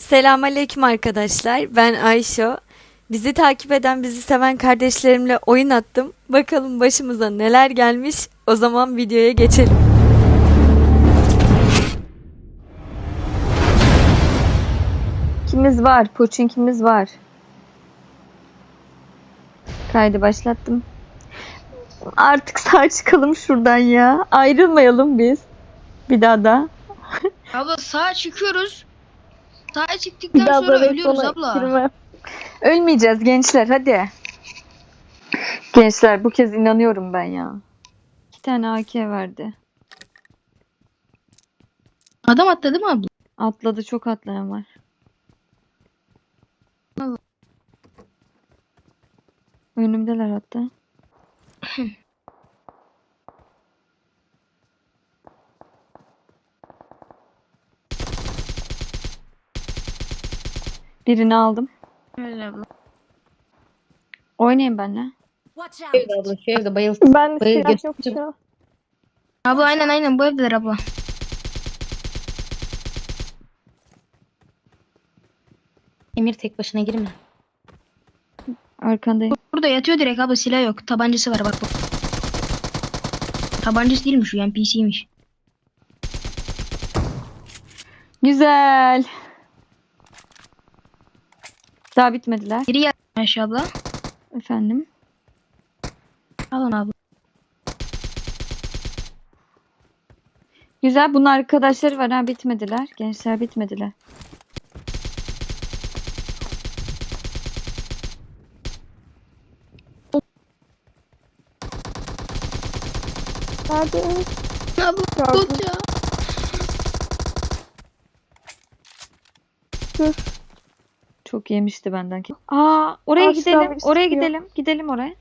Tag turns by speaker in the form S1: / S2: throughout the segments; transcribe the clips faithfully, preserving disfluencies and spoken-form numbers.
S1: Selamünaleyküm arkadaşlar. Ben Ayşe. Bizi takip eden, bizi seven kardeşlerimle oyun attım. Bakalım başımıza neler gelmiş. O zaman videoya geçelim. Kimiz var? Poçinkimiz var. Kaydı başlattım. Artık sağ çıkalım şuradan ya. Ayrılmayalım biz. Bir daha da.
S2: Abla sağa çıkıyoruz. Sağa çıktıktan sonra ölüyoruz abla.
S1: Girme. Ölmeyeceğiz gençler, hadi. Gençler, bu kez inanıyorum ben ya. İki tane A K verdi.
S2: Adam atladı mı abla?
S1: Atladı, çok atlayan var. Önümdeler hatta. Birini aldım.
S2: Öyle abla.
S1: Oynayın benimle.
S3: Şu evde abla, şu evde bayılsın.
S4: Ben de
S3: Bayıl
S4: silah yok
S3: götür.
S4: ya.
S2: Abla aynen aynen bu evdeler abla.
S3: Emir tek başına girme.
S1: Arkandayım.
S2: Burada yatıyor direkt abla, silah yok. Tabancası var bak bak. Tabancası değilmiş, o N P C'ymiş.
S1: Güzel. Daha bitmediler.
S2: Biri yat Ayşe abla.
S1: Efendim.
S2: Alın abla.
S1: Güzel. Bunun arkadaşları var ha, bitmediler. Gençler bitmediler.
S4: Nerede?
S2: Abla
S4: Gördüm.
S2: tut ya.
S4: Dur.
S1: Çok yemişti benden. Aa, oraya
S4: Aşağı
S1: gidelim.
S4: birisi
S1: Oraya
S4: çıkıyor.
S1: gidelim. Gidelim oraya.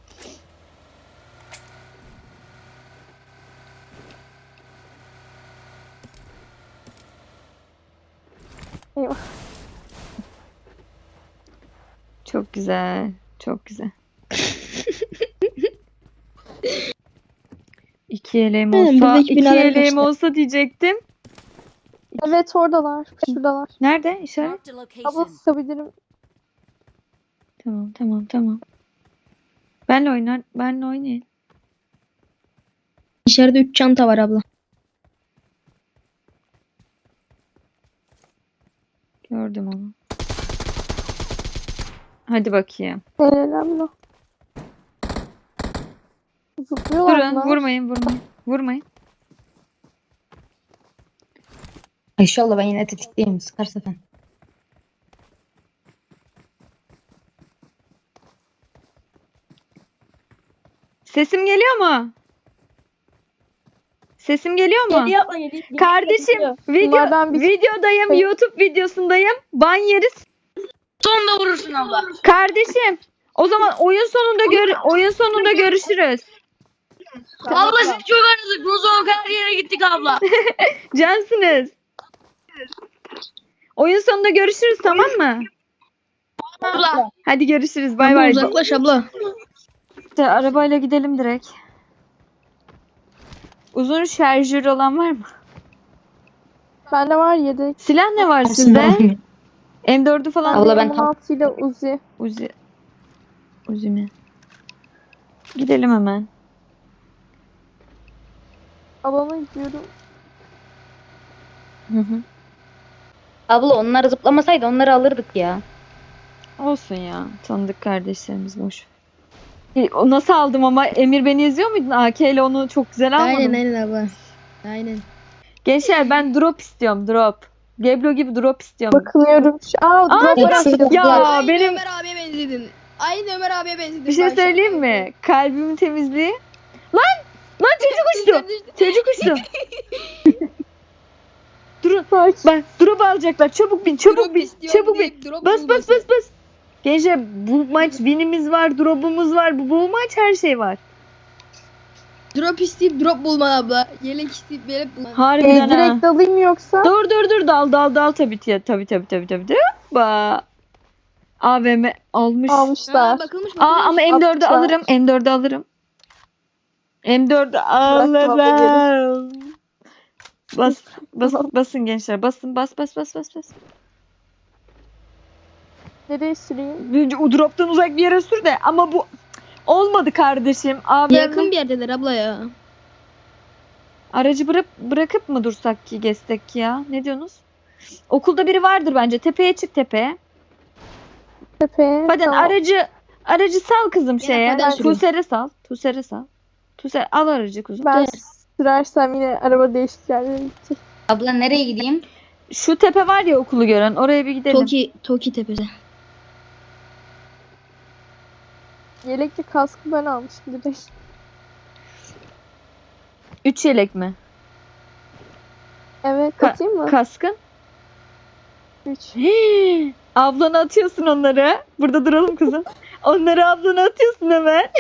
S4: Eyvah.
S1: Çok güzel. Çok güzel. İki yeleğim
S2: Aynen,
S1: olsa,
S2: buradaki
S1: iki
S2: binalara
S1: yeleğim
S2: geçti.
S1: olsa diyecektim.
S4: Evet oradalar. Şuradalar.
S1: Nerede? İşaret.
S5: Marked a
S4: Abla
S5: location.
S4: sıkabilirim.
S1: Tamam, tamam, tamam. Benle oynar, benle oynayın.
S2: İçeride üç çanta var abla.
S1: Gördüm onu. Hadi bakayım.
S4: Helal abla. Zıplıyorlar
S1: Durun,
S4: bunlar.
S1: vurmayın, vurmayın. Vurmayın.
S3: Ayşe abla ben yine tetikteyim. Sıkarsa sen.
S1: Sesim geliyor mu? Sesim geliyor mu?
S4: Geliyor abla, geliyor.
S1: Kardeşim, video
S4: Bunlardan bir-
S1: videodayım, YouTube videosundayım. Ban yeriz.
S2: Sonunda vurursun abla.
S1: Kardeşim, o zaman oyun sonunda gör oyun sonunda görüşürüz.
S2: Abla siz çok aradık. Rozok her yere gittik abla.
S1: Cansınız. Oyun sonunda görüşürüz, tamam mı?
S2: Abla.
S1: Hadi görüşürüz. Bay
S2: Abla
S1: bay.
S2: uzaklaş abla.
S1: İşte arabayla gidelim direkt. Uzun şarjör olan var mı?
S4: Bende var yedek.
S1: Silah ne var sizde? M dördü falan
S3: Abla
S1: değil.
S3: ben
S4: on
S3: tam-
S4: altı ile Uzi.
S1: Uzi. Uzi mi? Gidelim hemen.
S4: Alana gidiyorum.
S1: Hı hı.
S3: Abla onlar zıplamasaydı onları alırdık ya.
S1: Olsun ya. Tanıdık kardeşlerimiz boş. E, O nasıl aldım ama Emir, beni izliyor muydun? A K ile onu çok güzel almadım.
S2: Aynen aynen abla. Aynen.
S1: Gençler, ben drop istiyorum, drop. Geblo gibi drop istiyorum.
S4: Bakınıyorum. Şu- Aa,
S1: Aa,
S4: drop
S3: bırak.
S4: var.
S1: Ya
S2: Aynı
S1: benim
S2: Ömer abiye benzedin. Aynı Ömer abiye benzedin.
S1: bir şey
S2: Ayşe.
S1: söyleyeyim mi? Kalbimin temizliği. Lan! Lan çocuk uçtu. Çocuk uçtu. Durun.
S4: Bak.
S1: Bak, drop alacaklar. Çabuk bin, çabuk
S2: Drop
S1: bin.
S2: istiyorum
S1: Çabuk bin.
S2: deyip drop
S1: Bas bas
S2: bulmasın.
S1: bas bas. Gençler, bu maç winimiz var, drop'umuz var. Bu, bu maç her şey var.
S2: Drop isteyip drop bulman abla. Yelek isteyip yelek bulman.
S4: Ee,
S1: Harbiden ha.
S4: direkt alayım yoksa?
S1: Dur dur dur, dal dal dal tabii tabii tabii tabii tabii tabii. Ba. A V M almış.
S4: Almışlar.
S2: Aa, bakılmış
S1: Aa, ama
S2: bakılmış.
S1: M dördü
S4: Atmışlar.
S1: alırım. M dördü alırım. M dördü
S4: abla,
S1: alırım. Bas bas basın gençler. Basın, bas bas bas bas bas.
S4: Nereye süreyim?
S5: O drop'tan uzak bir yere sür de ama bu olmadı kardeşim. Abi
S2: Yakın bir yerdeler abla ya.
S5: aracı bırak bırakıp mı dursak ki gezsek ki ya? Ne diyorsunuz? Okulda biri vardır bence. Tepeye çık tepeye.
S4: Tepeye.
S5: Hadi
S4: tamam.
S5: aracı aracı sal kızım şeye.
S2: Faden sürüyor.
S5: Tuser'e sal. Tuser'e sal. Tuser al aracı kuzum.
S4: Ben sürersem yine araba değişik yerlere gidecek.
S3: Abla nereye gideyim?
S5: Şu tepe var ya okulu gören. Oraya bir gidelim.
S2: Toki, Toki tepesi.
S4: Yelekli kaskı ben almışım direkt.
S5: Üç yelek mi?
S4: Evet
S5: Ka-
S4: atayım mı?
S5: Kaskın?
S4: Üç.
S5: Hii, ablana atıyorsun onları. Burada duralım kızım. Onları ablana atıyorsun hemen.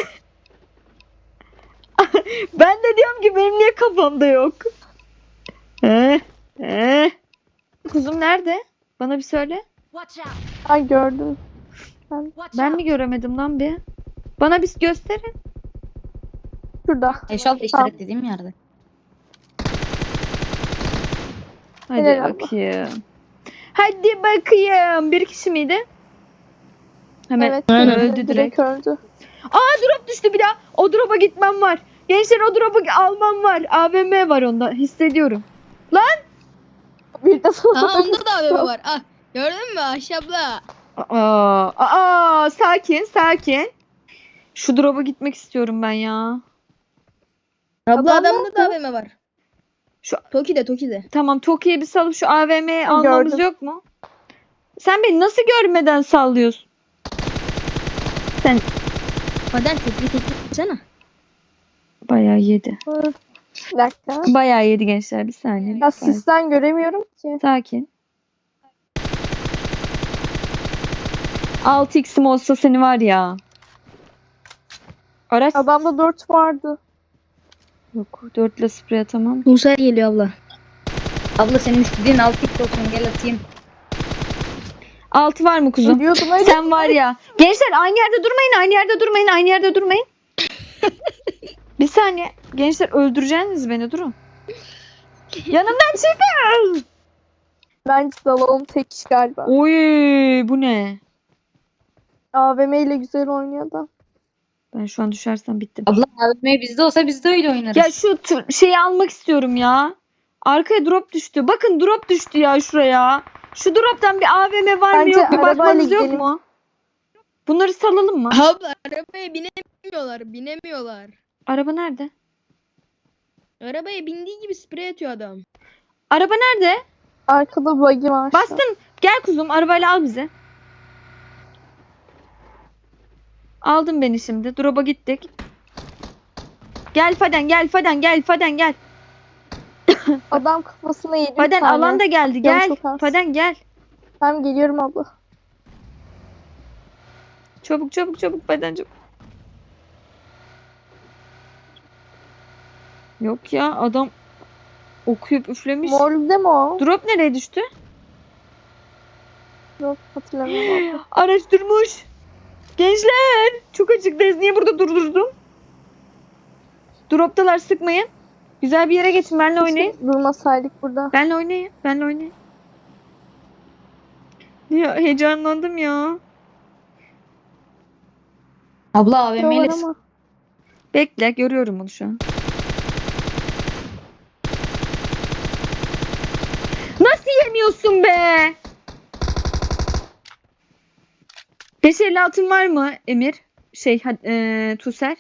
S5: Ben de diyorum ki benim niye kafamda yok? He, he. Kuzum nerede? Bana bir söyle.
S4: Ay gördüm.
S5: Ben mi göremedim lan bir? Bana bir gösterin.
S4: Şurada.
S3: Eşaltı işaret dediğim yerde.
S5: Hadi
S4: Helal abla.
S5: bakayım. Hadi bakayım. Bir kişi miydi? Hemen
S4: Evet.
S5: öldü
S4: öldü,
S5: direkt.
S4: direkt öldü.
S5: Aa drop düştü bir daha. O drop'a gitmem var. Gençler o drop'u almam var. A V M var onda. Hissediyorum.
S4: Bir de
S2: Aa onda da A V M var. Ah, gördün mü Ayşe abla?
S5: Aa, aa, sakin sakin. Şu drop'a gitmek istiyorum ben ya.
S2: Abla
S4: Adam
S2: adamda da A V M var.
S5: Şu-
S2: Toki'de Toki'de.
S5: Tamam Toki'ye bir salıp şu A V M'yi
S4: Ha,
S5: almamız
S4: gördüm.
S5: yok mu? Sen beni nasıl görmeden sallıyorsun? Sen
S2: Faden tekli tekli sana.
S5: bayağı yedi.
S4: Bir dakika.
S5: Bayağı yedi gençler bir saniye.
S4: Ya
S5: lütfen.
S4: sisten göremiyorum ki.
S5: Sakin. altı x'im olsa seni var ya. Araç
S4: Adamda dört vardı.
S5: yok. dört ile sprey atamam.
S2: Musa geliyor abla.
S3: Abla senin istediğin altı x olsun gel atayım.
S5: altı var mı kuzum?
S4: Ölüyordum öyle.
S5: Sen var ya. Gençler aynı yerde durmayın, aynı yerde durmayın, aynı yerde durmayın. Bir saniye. Gençler öldüreceksiniz beni durun. Yanımdan çıkın.
S4: Bence dalalım tek iş galiba.
S5: Oy bu ne?
S4: A V M ile güzel oynuyor da.
S5: Ben şu an düşersem bittim.
S3: Abla A V M bizde olsa biz de öyle oynarız.
S5: Ya şu t- şeyi almak istiyorum ya. Arkaya drop düştü. Bakın drop düştü ya şuraya. Şu drop'tan bir A V M var mı
S4: Bence
S5: yok mu?
S4: arabayla
S5: Bakmanız yok
S4: gidelim.
S5: mu? Bunları salalım mı?
S2: Abla arabaya binemiyorlar, binemiyorlar.
S5: Araba nerede?
S2: Arabaya bindiği gibi sprey atıyor adam.
S5: Araba nerede?
S4: Arkada buggy var.
S5: Bastın. Gel kuzum arabayla al bizi. Aldın beni şimdi. Drop'a gittik. Gel Faden gel Faden gel Faden gel.
S4: Adam kafasına yedi bir
S5: Faden
S4: tane.
S5: alan da geldi
S4: Canı
S5: gel.
S4: çok az.
S5: Faden gel.
S4: Tamam geliyorum abla.
S5: Çabuk çabuk çabuk Faden çabuk. Yok ya adam okuyup üflemiş.
S4: Morlu'da mı o?
S5: Drop nereye düştü?
S4: Yok hatırlamıyorum abla.
S5: Araç durmuş. Gençler çok açıktayız. Niye burada durdurdum? Droptalar sıkmayın. Güzel bir yere geçin. Benle oynayın.
S4: Keşke durmasaydık burada.
S5: Benle oynayın. Benle oynayın. Ya heyecanlandım ya.
S3: Abla A V
S4: Diyorlar
S3: M'leri
S4: ama.
S5: Bekle görüyorum onu şu an. Nasıl yemiyorsun be? beş elli altın var mı Emir? Şey e, Tuser.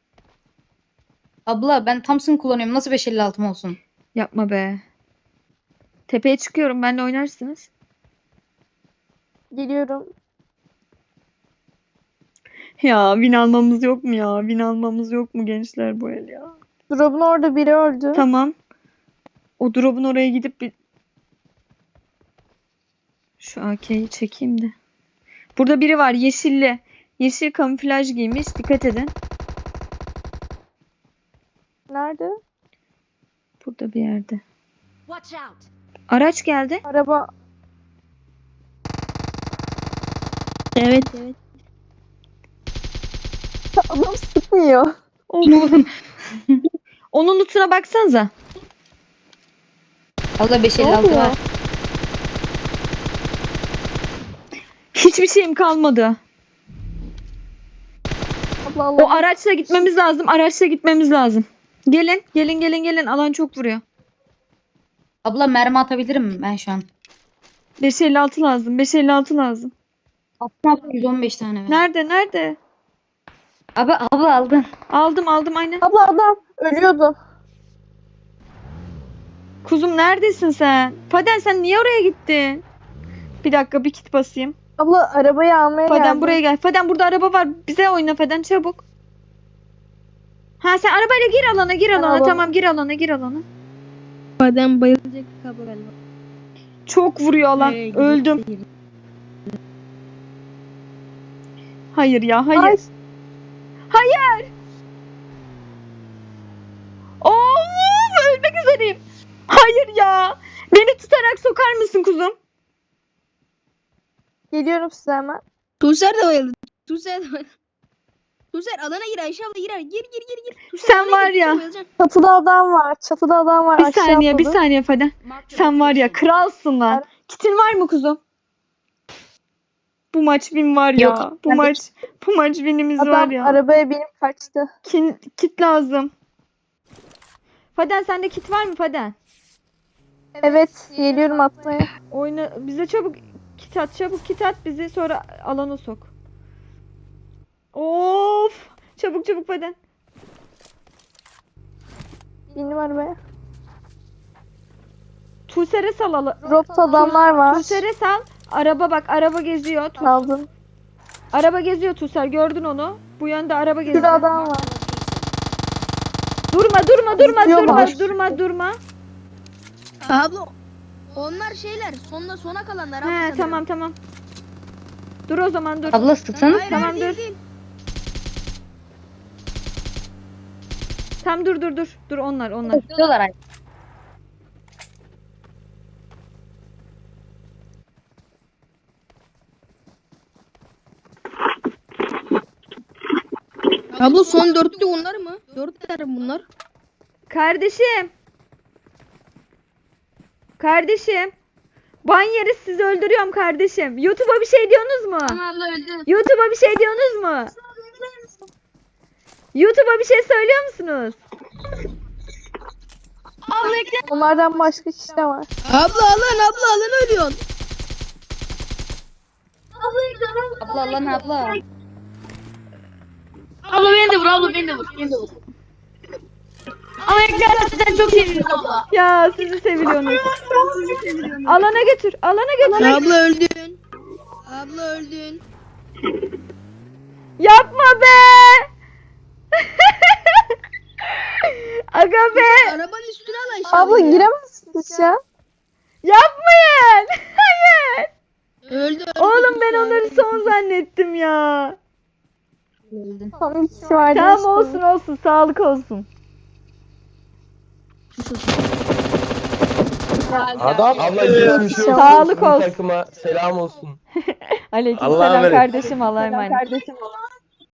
S3: Abla ben Thompson kullanıyorum. Nasıl beş elli altım olsun?
S5: Yapma be. Tepeye çıkıyorum. Benle oynarsınız.
S4: Geliyorum.
S5: Ya win almamız yok mu ya? Win almamız yok mu gençler bu el ya?
S4: Drop'un orada biri öldü.
S5: Tamam. O drop'un oraya gidip bir... Şu A K'yi çekeyim de. Burada biri var yeşilli. Yeşil kamuflaj giymiş. Dikkat edin.
S4: Nerede?
S5: Burada bir yerde. Araç geldi.
S4: Araba.
S2: Evet evet.
S4: Adam sıkmıyor.
S5: Oğlum. Onun lootuna baksanıza.
S3: Abla beş
S4: Ne
S3: elli altı
S4: oluyor?
S3: var.
S5: Hiçbir şeyim kalmadı.
S4: Abla Allah.
S5: O araçla gitmemiz lazım. Araçla gitmemiz lazım. Gelin, gelin, gelin, gelin. Alan çok vuruyor.
S3: Abla mermi atabilirim ben şu an.
S5: beş elli altı lazım. beş elli altı lazım.
S3: Attım yüz on beş tane. ver.
S5: Nerede? Nerede?
S3: Abi abla aldın.
S5: Aldım, aldım aynen.
S4: Abla adam ölüyordu.
S5: Kuzum neredesin sen? Faden sen niye oraya gittin? Bir dakika bir kit basayım.
S4: Abla arabayı almaya
S5: Faden
S4: geldim.
S5: buraya gel. Faden burada araba var. Bize oyna Faden çabuk. Ha sen arabayla gir alana gir alana.
S4: Tamam.
S5: Tamam gir alana gir alana.
S6: Badem bayılacak kablo galiba.
S5: Çok vuruyor alan.
S6: Nereye gidiyor?
S5: Öldüm. Hayır ya hayır.
S4: Ay.
S5: Hayır. Of ölmek üzereyim. Hayır ya. Beni tutarak sokar mısın kuzum?
S4: Geliyorum size hemen.
S6: Tuğser de bayıldı. Tuğser de bayıldı. Tuğser alana gir Ayşe abla girer. Gir gir gir gir. Tuğser
S5: Sen
S6: alana
S5: var
S6: gir,
S5: ya.
S6: Tuğser bayılacaksın.
S4: Çatıda adam var. Çatıda adam var.
S5: Bir
S4: Aşağı
S5: saniye bir
S4: atladı.
S5: saniye Faden. Sen var ya kralsın lan. Kitin var mı kuzum? Bu maç win var ya.
S3: Yok.
S5: Bu maç bu maç winimiz var
S4: Adam
S5: ya.
S4: arabaya binip kaçtı.
S5: Kin, kit lazım. Faden sende kit var mı Faden?
S4: Evet geliyorum atmaya.
S5: Oyna bize çabuk kit at çabuk kit at bizi sonra alana sok. Of! Çabuk çabuk Faden.
S4: Bindim arabaya.
S5: Tuğser'e sal ala.
S4: Dropta adamlar var.
S5: Tuğser'e sal. Araba bak araba geziyor. Tu-
S4: Aldım.
S5: araba geziyor Tuğser gördün onu. Bu yönde araba geziyor.
S4: Şurada adam var.
S5: Durma durma durma
S4: Gidiyorlar.
S5: durma durma durma.
S6: Abla onlar şeyler sonda sona kalanlar. abla
S5: He
S6: sanırım.
S5: tamam tamam. Dur o zaman dur.
S3: Abla sıksana.
S6: Hayır,
S5: Tamam,
S6: hayır, değil,
S5: dur.
S6: değil.
S5: Tam dur dur dur. Dur onlar onlar.
S3: Sıkıyorlar ay.
S6: Abla son dörtlü bunlar mı? Dörtler bunlar.
S5: Kardeşim. Kardeşim. Ban yeriz sizi öldürüyorum kardeşim. YouTube'a bir şey diyorsunuz mu?
S2: Abla öldü.
S5: YouTube'a bir şey diyorsunuz mu? YouTube'a bir şey söylüyor musunuz?
S2: Abla ekle.
S4: Onlardan başka kişi de var.
S6: Abla alan abla alan ölüyorsun.
S3: Abla lan abla.
S2: Abla beni de vur abla beni de vur. Beni de vur. Ama eklersen sen çok seviyorsun abla.
S5: Ya sizi seviyorsunuz. Alana götür. Alana götür.
S6: Abla öldün. Abla öldün.
S5: Yapma be. Aga be.
S6: Arabanın üstüne al Ayşe
S4: Abla
S6: abla ya.
S4: giremezsiniz ya.
S5: Yapmayın. Hayır.
S6: Öldü, öldü.
S5: Oğlum ben onları son zannettim ya.
S3: Öldün.
S4: Tam bir kişi vardı.
S5: Tamam
S4: işte.
S5: olsun olsun. Sağlık olsun.
S7: Adam abla geçmiş olsun.
S5: Sağlık
S7: Sizin
S5: olsun.
S7: Takıma selam olsun.
S5: Aleykümselam
S7: Allah'a emanet.
S5: kardeşim. Allah'a emanet.